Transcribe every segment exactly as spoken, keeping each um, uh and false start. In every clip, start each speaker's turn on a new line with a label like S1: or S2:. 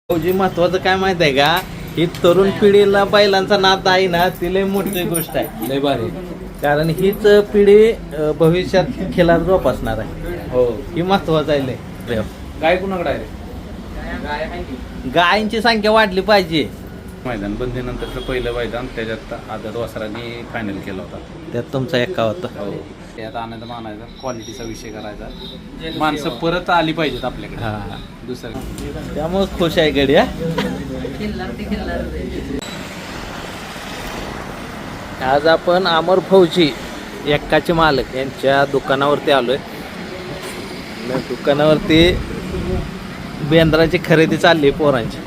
S1: फौजी महत्वाचं काय माहित आहे का, ही तरुण पिढीला बैलांचा नाद आहे ना, ती लय मोठी गोष्ट आहे, लय भारी. कारण हीच पिढी अं, भविष्यात खेळात जोपासणार आहे. हो, ही महत्वाचं आहे लय.
S2: गाय कुणाकडे आहे?
S1: गायींची संख्या वाढली पाहिजे.
S2: मैदान बंदीनंतरचं पहिलं मैदान, त्याच्यात आदत वासरांनी फायनल केला होता.
S1: त्यात तुमचा एक्का होता.
S2: हो, त्यात आनंद मानायचा, क्वालिटीचा विषय करायचा, माणसं परत आली पाहिजेत आपल्याकडे.
S1: हा,
S2: दुसरं
S1: त्यामुळे खुश आहे गड्या. आज आपण अमर फौजी एक्काचे मालक यांच्या दुकानावरती आलोय. या दुकानावरती बेंद्राची खरेदी चालली पोरांची.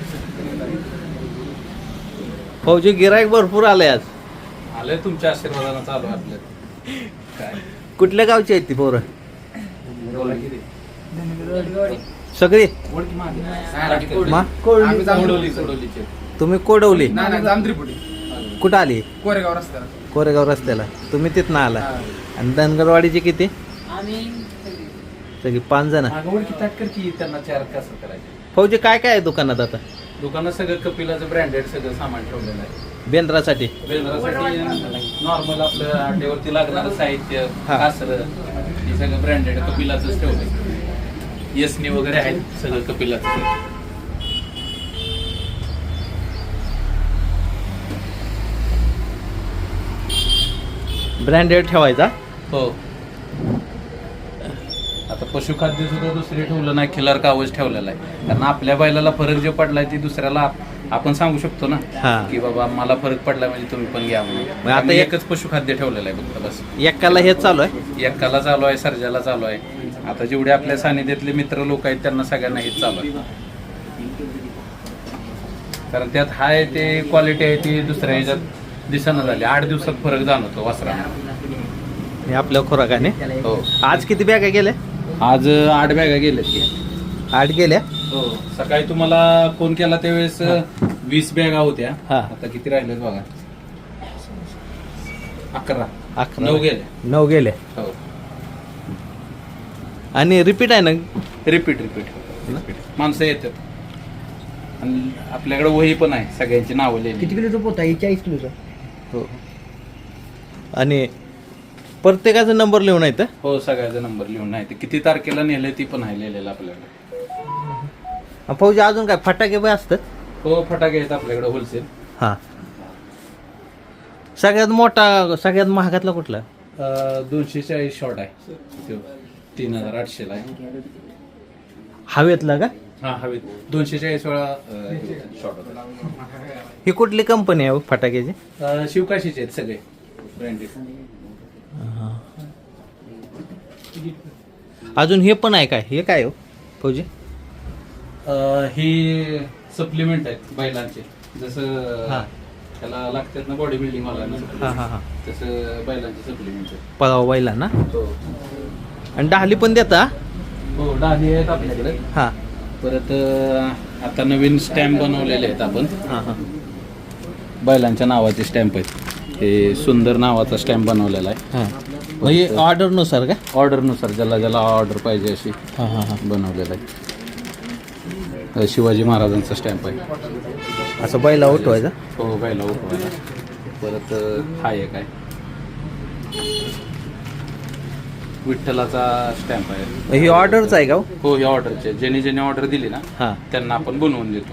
S1: फौजी गिराईक भरपूर आले आज.
S2: आलंय तुमच्या आशीर्वादानं चालू आहे आपलं. काय
S1: कुठल्या गावची आहेत ती पोरं?
S2: बोला की रे.
S1: सगळी
S2: ओळखी मागे.
S1: मा
S2: आम्ही जांभळवली, सोडवलीचे.
S1: तुम्ही कोडवली
S2: नाही नाही, जामत्रिपुटी.
S1: कुठं आली?
S2: कोरेगाव रस्त्याला.
S1: कोरेगाव रस्त्याला. तुम्ही तिथनं आला. आणि धनगरवाडीची किती? सगळी पाच जण.
S2: मागं ओळखी ताटकर की त्यांना चार कसं करायचं.
S1: फौजी काय काय आहे दुकानात आता?
S2: दुकानात सगळं कपिलाचं ब्रँडेड सगळं सामान ठेवलेलं आहे.
S1: बेंद्रासाठी
S2: बेंद्रासाठी नॉर्मल आपलं अंड्यावरती लागणारं साहित्य,
S1: हा.
S2: कासरं, हे सगळं ब्रँडेड कपिलाचंच ठेवलंय. यसनी वगैरे आहेत सगळं कपिलाचं.
S1: ब्रँडेड ठेवायचा.
S2: हो, आता पशुखाद्य सुद्धा दुसरे ठेवलं नाही, खिलार कावच ठेवलेला आहे. कारण आपल्या बैलाला फरक जो पडलाय ती दुसऱ्याला आप- आपण सांगू शकतो ना,
S1: हा.
S2: की बाबा मला फरक पडला म्हणजे तुम्ही पण घ्या म्हणून.
S1: मग आता
S2: आता
S1: एक-
S2: एकच पशुखाद्य ठेवलेलं आहे फक्त, बस.
S1: एक्काला हेच चालू आहे.
S2: एक्काला चालू आहे, सर्जाला चालू आहे. आता जेवढे आपल्या सानिध्यातले मित्र लोक आहेत त्यांना सगळ्यांना हेच चालू आहे. कारण त्यात हाय ते क्वालिटी आहे ती दुसऱ्या ह्याच्यात दिसणं झाली. आठ दिवसात फरक जाणवतो वासरांना.
S1: हे आपल्या खुराकाने.
S2: हो,
S1: आज किती बॅगा गेल्या?
S2: आज आठ बॅगा गेल्यात की.
S1: आठ गेल्या.
S2: हो, सकाळी तुम्हाला फोन केला त्यावेळेस वीस बॅगा होत्या.
S1: हा.
S2: आता किती राहिल्यात बघा? अकरा.
S1: अकरा.
S2: नऊ गेल्या.
S1: नऊ गेल्या.
S2: हो,
S1: आणि रिपीट आहे ना?
S2: रिपीट रिपीट माणसं येतात. आणि आपल्याकडे वही पण आहे, सगळ्यांची नावं लिहिली.
S3: किती किलोचा पोता आहे? चाळीस किलोचा.
S1: हो. आणि प्रत्येकाचा नंबर लिहून आहे तर.
S2: हो, सगळ्याचा नंबर लिहून आहे. ते किती तारखेला नेले ती पण आहे लिहिलेलं आपल्याकडे.
S1: फौजी अजून काय फटाके बी असतात?
S2: हो, फटाके आहेत आपल्याकडे होलसेल.
S1: हा. सगळ्यात मोठा सगळ्यात महागातला कुठला?
S2: अं, दोनशे चाळीस शॉट आहे तो. तीन हजार आठशेला आहे.
S1: हवेतला का?
S2: हा, हवेत दोनशे चाळीस वेळा शॉट होता.
S1: ही कुठली कंपनी आहे हो फटाक्याची?
S2: अं, शिवकाशीचे आहेत सगळे ब्रँडेड.
S1: अजून हे पण आहे काय? हे काय हो फौजी?
S2: ही सप्लिमेंट आहेत बैलांचे. जसं
S1: हा.
S2: त्याला लागतात ना बॉडी बिल्डिंग
S1: हा
S2: वाला,
S1: हा हा.
S2: तसं बैलांचे सप्लिमेंट आहेत.
S1: पगाव बैला ना.
S2: हो
S1: आणि डहाली पण देता?
S2: हो, डाली आहेत आपल्याकडे.
S1: हा
S2: परत अं, आता नवीन स्टॅम्प बनवलेले आहेत आपण.
S1: हा हा.
S2: बैलांच्या नावाचे स्टॅम्प आहेत. हे सुंदर नावाचा स्टॅम्प बनवलेला आहे.
S1: हा. म्हणजे ऑर्डर नुसार का?
S2: ऑर्डरनुसार ज्याला ज्याला ऑर्डर पाहिजे अशी
S1: हा हा हा.
S2: बनवलेला आहे. शिवाजी महाराजांचा स्टॅम्प आहे.
S1: असं बैला उठवायचा.
S2: हो, बैला उठवायला. परत अं, हा एक आहे विठ्ठलाचा स्टॅम्प आहे.
S1: ही ऑर्डरच आहे का हो?
S2: हो, ही ऑर्डरचे. ज्याने ज्याने ऑर्डर दिली ना
S1: हा.
S2: त्यांना आपण बनवून देतो.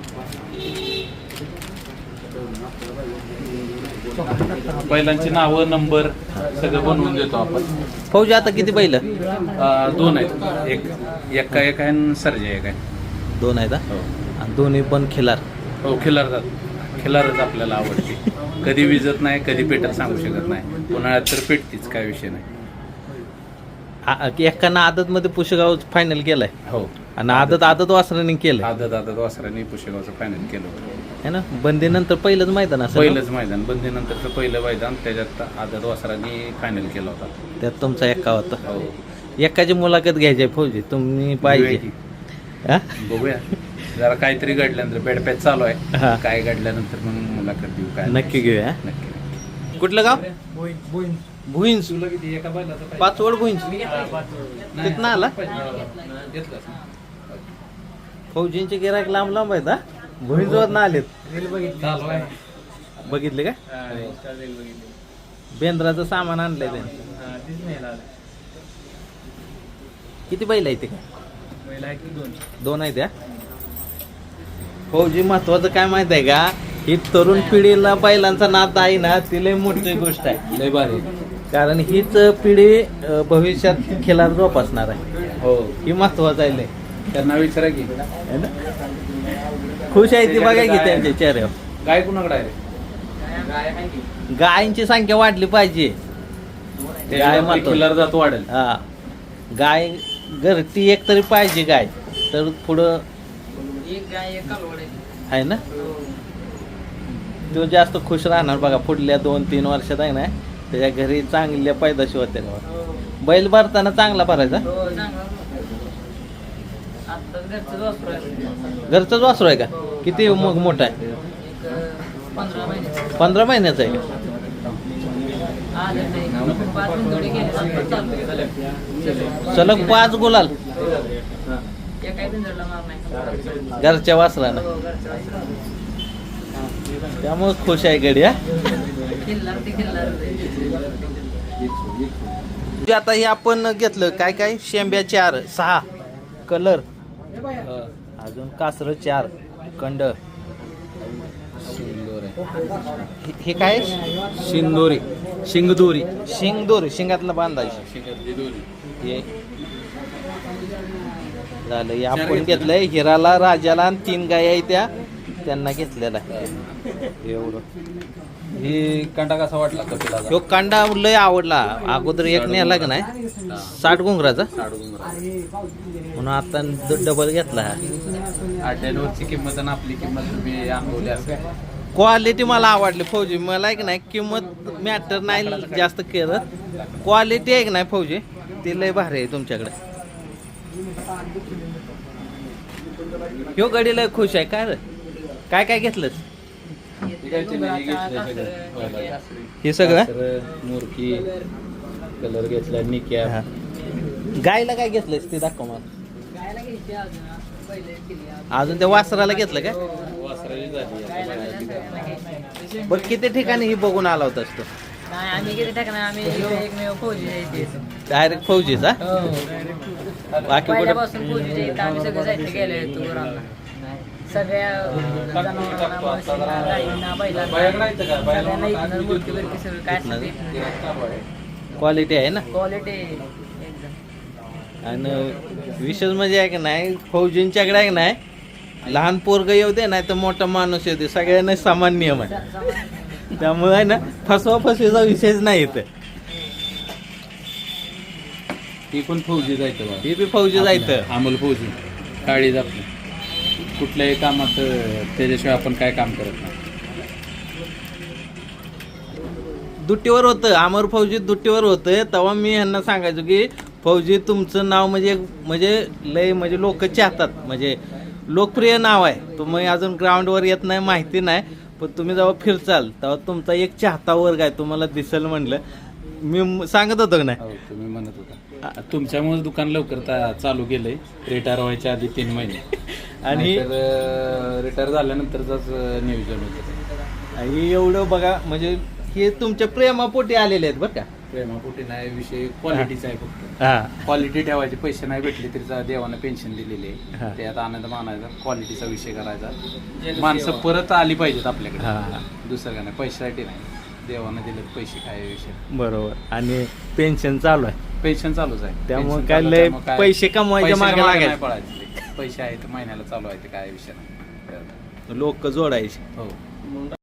S2: बैलांची नावं, नंबर सगळं बनवून देतो आपण.
S1: फौजी आता किती बैल?
S2: अं, दोन आहेत. एक एक्का एक आहे आणि सर्जा एक आहे.
S1: दोन आहेत हा?
S2: हो
S1: आणि दोन्ही पण खिलार.
S2: हो, खिलार खिलारच आपल्याला आवडते. कधी विजत नाही, कधी पेटत सांगू शकत नाही. उन्हाळ्यात तर पेटतीच, काय विषय नाही.
S1: एकानं आदत मध्ये पुशेगाव फायनल केलाय.
S2: हो,
S1: आणि आदत आदत वासराने केलंय
S2: आदत आदत वासरांनी पुशेगावचं फायनल केलं होतं.
S1: है ना. बंदीनंतर पहिलंच मैदान असं.
S2: पहिलंच मैदान, बंदीनंतरचं पहिलं मैदान, त्याच्यात आदत वासरांनी फायनल केलं होता.
S1: त्यात तुमचा एक्का होता.
S2: हो,
S1: एकाची मुलाखत घ्यायची आहे फौजी, तुम्ही पाहिजे. हा?
S2: बघूया जरा काहीतरी घडल्यानंतर बेडपॅच चालू
S1: हा.
S2: आहे. काय घडल्यानंतर मग मुलाखत देऊ. काय
S1: नक्की घेऊया.
S2: नक्की.
S1: कुठलं गाव? भुईंज.
S2: तुला किती एका बैलाचं
S1: पाचवड भुईंज.
S2: नाही.
S1: तिथनं आला?
S2: घेतलं.
S1: फौजींचे गिराक लांब लांब आहेत हा भुईंजवर ना आलेत
S2: चालू आहे.
S1: बघितले का बेंद्राचं सामान आणलंय त्यांनी किती बैल आहे ते काय दोन आहेत त्या फौजी महत्वाचं काय माहित आहे का ही तरुण पिढीला बैलांचा नाद आहे ना ती लय मोठी गोष्ट आहे
S2: लय भारी.
S1: कारण हीच पिढी अं, भविष्यात खेळात जोपासणार आहे
S2: हो
S1: ही महत्वाचं आहे लय
S2: त्यांना विचारा की
S1: है ना? खुश आहे ती बघा की त्यांच्या चेहऱ्यावर
S2: गाय कुणाकडे आहे रे?
S1: गायींची संख्या वाढली पाहिजे गाय महत्वाचं.
S2: खिल्लार जात वाढेल.
S1: हा गाय घरटी एक तरी पाहिजे गाय तर पुढं
S3: एक गाय एक कालवड आहे.
S1: आहे ना तो जास्त खुश राहणार बघा पुढल्या दोन तीन वर्षात आहे ना त्याच्या घरी चांगल्या पैदाशी होते बैल भरताना चांगला भरायचा
S3: हो, चांगला. आत्ताच घरचं वासरू आहे.
S1: घरचाच वासरू आहे का किती मग मोठा आहे
S3: एक अं, पंधरा महिने
S1: पंधरा महिन्याचा आहे का
S3: आज नाही पाच मिनिटं गेले आता चालू
S1: सलग पाच गुलाल
S3: एकाही पिंजरला मार नाही.
S1: घरच्या वासरानं
S3: हो, घरचं वासरू.
S1: त्यामुळे खुश आहे गडी हा
S3: खिल्लार ते खिल्लार.
S1: जे आता हे आपण घेतलं काय काय शेंब्या चार सहा कलर अजून कासर चार कंड हे- हे काय
S2: शिंदोरी
S1: शिंगदोरी शिंगदोरी शिंगातला बांधायची हे झालं हे आपण घेतलंय हिराला राजाला आणि तीन गाय आहे त्या त्यांना घेतलेला आहे एवढं
S2: ही कंटा कसा वाटला कपिला
S1: ह्यो कांडा लय आवडला अगोदर एक नेला का नाही साठ घुंगराचा म्हणून आता डबल घेतला हा
S2: अड्ड्यांवरची किंमत आणि आपली किंमत तुम्ही अनुभवली असेल.
S1: क्वालिटी मला आवडली फौजी मला एक नाही किंमत मॅटर नाही जास्त करत क्वालिटी आहे की नाही फौजी ती लय भारी आहे तुमच्याकडे ह्यो गडी लय खुश आहे काय रे काय काय घेतलंस हे सगळं
S2: मुरकी कलर घेतला निक्या
S1: हा. गायला काय घेतलंस ते दाखव मला
S3: गायला घ्यायची अजून पहिले केली अजून.
S1: अजून त्या वासराला घेतलं का
S2: वासराची झाली
S3: गायला सगळ्यांना घ्यायची.
S1: बघ किती ठिकाणी ही बघून आला होतास तू
S3: नाही आम्ही किती टाकणार आम्ही एकमेव फौजी आहे इथे.
S1: डायरेक्ट फौजीचा बाकी कुठं
S3: पहिल्यापासून फौजी इथं आम्ही सगळं जायचं गेलो होतो गुरांना. सगळ्या जनावरांना म्हशींना गायींना बैलांना सगळ्यांना इथनं मूर्ती बिर्ती सगळं काय असेल ते इथनं.
S1: क्वालिटी आहे ना
S3: क्वालिटी एकदम.
S1: आणि विशेष म्हणजे आहे की नाही फौजींच्याकडे आहे की नाही लहान पोरग येऊ दे नाही तर मोठा माणूस येऊ दे सगळ्यांना समान नियम आहे त्यामुळे आहे ना फसवा फसवीचा विषयच नाही इथं
S2: ती पण फौजी जायचं बा.
S1: ही बी फौजी जायचं
S2: अमोल फौजी काळी आपली कुठल्याही कामात त्याच्याशिवाय आपण काय काम करत नाही.
S1: दुट्टीवर होतं अमर फौजी दुट्टीवर होतं तेव्हा मी ह्यांना सांगायचो की फौजी तुमचं नाव म्हणजे म्हणजे लय म्हणजे लोक चाहतात म्हणजे लोकप्रिय नाव आहे तुम्ही अजून ग्राउंडवर येत नाही माहिती नाही पण तुम्ही जेव्हा फिरचाल तेव्हा तुमचा एक चाहता वर्ग आहे तुम्हाला दिसेल म्हणलं मी म- सांगत होतो का नाही
S2: हो, तुम्ही म्हणत होता तुमच्यामुळे दुकान लवकर ता- चालू केलंय रिटायर व्हायच्या आधी तीन महिने
S1: आणि
S2: रिटायर झाल्यानंतरच नियोजन होतं.
S1: आणि एवढं बघा म्हणजे हे तुमच्या प्रेमापोटी आलेले आहेत बरं का
S2: प्रेमापोटी नाही विषय क्वालिटीचा आहे फक्त
S1: हा
S2: क्वालिटी ठेवायची पैसे नाही भेटले तरी जा- देवानं पेन्शन दिलेली
S1: हा.
S2: आहे त्यात आनंद मानायचा क्वालिटीचा विषय करायचा माणसं परत आली पाहिजेत आपल्याकडे
S1: हा.
S2: दुसरं काय नाही पैशासाठी नाही देवानं दिले पैसे काय विषय
S1: बरोबर आणि पेन्शन चालू आहे
S2: पेन्शन चालूच आहे
S1: त्यामुळे
S2: Pension
S1: काय
S2: चालू
S1: लय
S2: आहे, त्यामुळे काय-
S1: पैसे कमवायच्या
S2: पैशाच्या
S1: मागे
S2: मागे
S1: लागायचं.
S2: नाही पळायचे. पैसे आहेत महिन्याला चालू आहे ते काय विषय नाही
S1: लोक जोडायचे
S2: हो